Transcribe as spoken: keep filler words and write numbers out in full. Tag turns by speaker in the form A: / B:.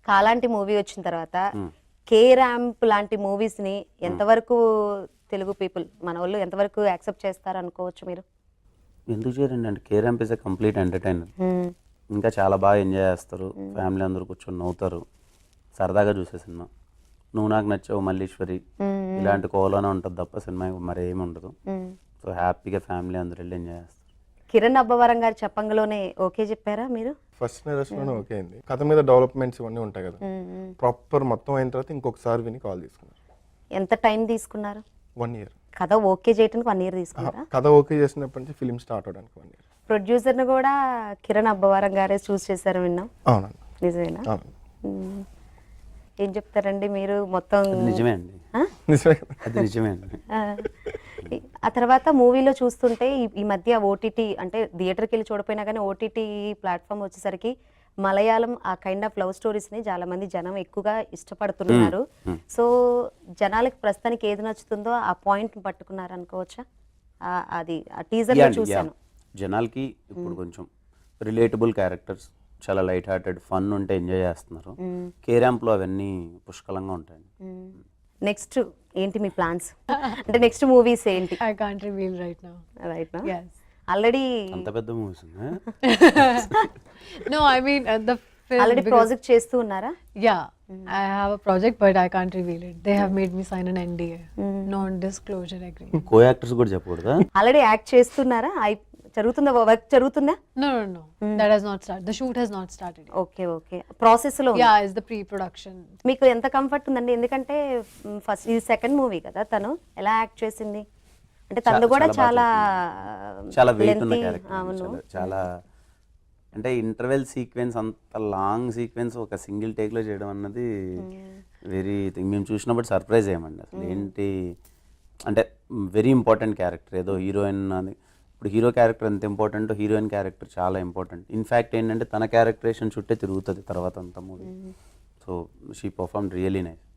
A: కాలాంటి movie వచ్చిన తర్వాత K ramp లాంటి మూవీస్ ని ఎంతవరకు తెలుగు పీపుల్ మన వాళ్ళు ఎంతవరకు యాక్సెప్ట్ చేస్తారు అనుకోవచ్చు మీరు?
B: ఎందుకు చేయరండి అంటే K Ramp is a complete entertainer. ఇంకా చాలా బాగా ఎంజాయ్ చేస్తారు, ఫ్యామిలీ అందరూ కూర్చొని నవ్వుతారు, సరదాగా చూసే సినిమా. నువ్వు నాకు నచ్చావు మల్లీశ్వరి ఇలాంటి కోలోనే ఉంటుంది తప్ప సినిమా మరి ఏమి ఉండదు. సో హ్యాపీగా ఫ్యామిలీ అందరూ వెళ్ళి ఎంజాయ్ చేస్తారు.
A: కిరణ్ అబ్బవరం గారి చెప్పంగలోనే ఓకే చెప్పారా మీరు?
C: ఫస్ట్ నెరేషన్లోనే ఓకే అయింది. కథ మీద డెవలప్మెంట్స్ ఇవన్నీ ఉంటాయి కదా, ప్రాపర్ మొత్తం అయిన తర్వాత ఇంకొకసారి విని కాల్ తీసుకున్నారు.
A: ఎంత టైం తీసుకున్నారు?
C: One year.
A: కథ ఓకే చేయడానికి వన్ ఇయర్ తీసుకున్నారా?
C: కథ ఓకే చేసినప్పటి నుంచి ఫిలిం స్టార్ట్ అవడానికి వన్ ఇయర్.
A: ప్రొడ్యూసర్ని కూడా కిరణ్ అబ్బవరం గారే చూస్ చేశారు విన్నాం.
C: అవునండి.
A: నిజమేనా?
C: అవునండి.
A: ఏం చెప్తారండి మీరు? మొత్తం
B: నిజమే అండి,
C: నిజమే కదా.
B: అది నిజమే అండి.
A: ఆ తర్వాత మూవీలో చూస్తుంటే ఈ మధ్య ఓటీటీ అంటే థియేటర్కి వెళ్ళి చూడపోయినా కానీ ఓటీటీ ప్లాట్ఫామ్ వచ్చేసరికి మలయాళం ఆ కైండ్ ఆఫ్ లవ్ స్టోరీస్ని చాలా మంది జనం ఎక్కువగా ఇష్టపడుతున్నారు. సో జనాలకి ప్రస్తుతానికి ఏది నచ్చుతుందో ఆ పాయింట్ పట్టుకున్నారు అనుకోవచ్చా? అది ఆ టీజర్లో చూశాను.
B: జనాలకి ఇప్పుడు కొంచెం రిలేటబుల్ క్యారెక్టర్స్, చాలా లైట్ హార్టెడ్ ఫన్ ఉంటే ఎంజాయ్ చేస్తున్నారు. కే ర్యాంప్లో అవన్నీ పుష్కలంగా ఉంటాయి.
A: నెక్స్ట్ ఏంటి మీ ప్లాన్స్? అంటే నెక్స్ట్ మూవీస్ ఏంటి?
D: I can't reveal right now.
A: Right నా?
D: Yes.
A: ఆల్రెడీ
B: అంత పెద్ద movies
D: No, I mean uh, the film.
A: Already
D: because-
A: project చేస్తూ ఉన్నారా?
D: Yeah, I have a project, but I can't reveal it. They have made me sign an N D A, non-disclosure agreement.
B: Co actors కూడా చెప్పకూడదా?
A: Already act చేస్తున్నారా? అయి జరుగుతుందా? Work జరుగుతుందా?
D: No, no, no. That has not started. The shoot has not started yet.
A: Okay okay process లో ఉంది.
D: Yeah, it's the pre-production.
A: మీకు ఎంత కంఫర్ట్ ఉందండి? ఎందుకంటే ఫస్ట్ ఇది సెకండ్ మూవీ కదా, తను ఎలా యాక్ట్ చేసింది అంటే తను కూడా చాలా
B: చాలా వెయిట్ ఉన్న
A: lengthy,
B: క్యారెక్టర్,
A: అవును.
B: చాలా చాలా అంటే ఇంటర్వెల్ సీక్వెన్స్ అంత లాంగ్ సీక్వెన్స్ ఒక సింగిల్ టేక్లో చేయడం అన్నది వెరీ మేము చూసినప్పుడు సర్ప్రైజ్ అయ్యామండి. అసలు ఏంటి అంటే వెరీ ఇంపార్టెంట్ క్యారెక్టర్, ఏదో హీరోయిన్ అని. ఇప్పుడు హీరో క్యారెక్టర్ ఎంత ఇంపార్టెంట్, హీరోయిన్ క్యారెక్టర్ చాలా ఇంపార్టెంట్. ఇన్ఫ్యాక్ట్ ఏంటంటే తన క్యారెక్టరేషన్ చుట్టే తిరుగుతుంది తర్వాత అంతా movie. So she performed really nice.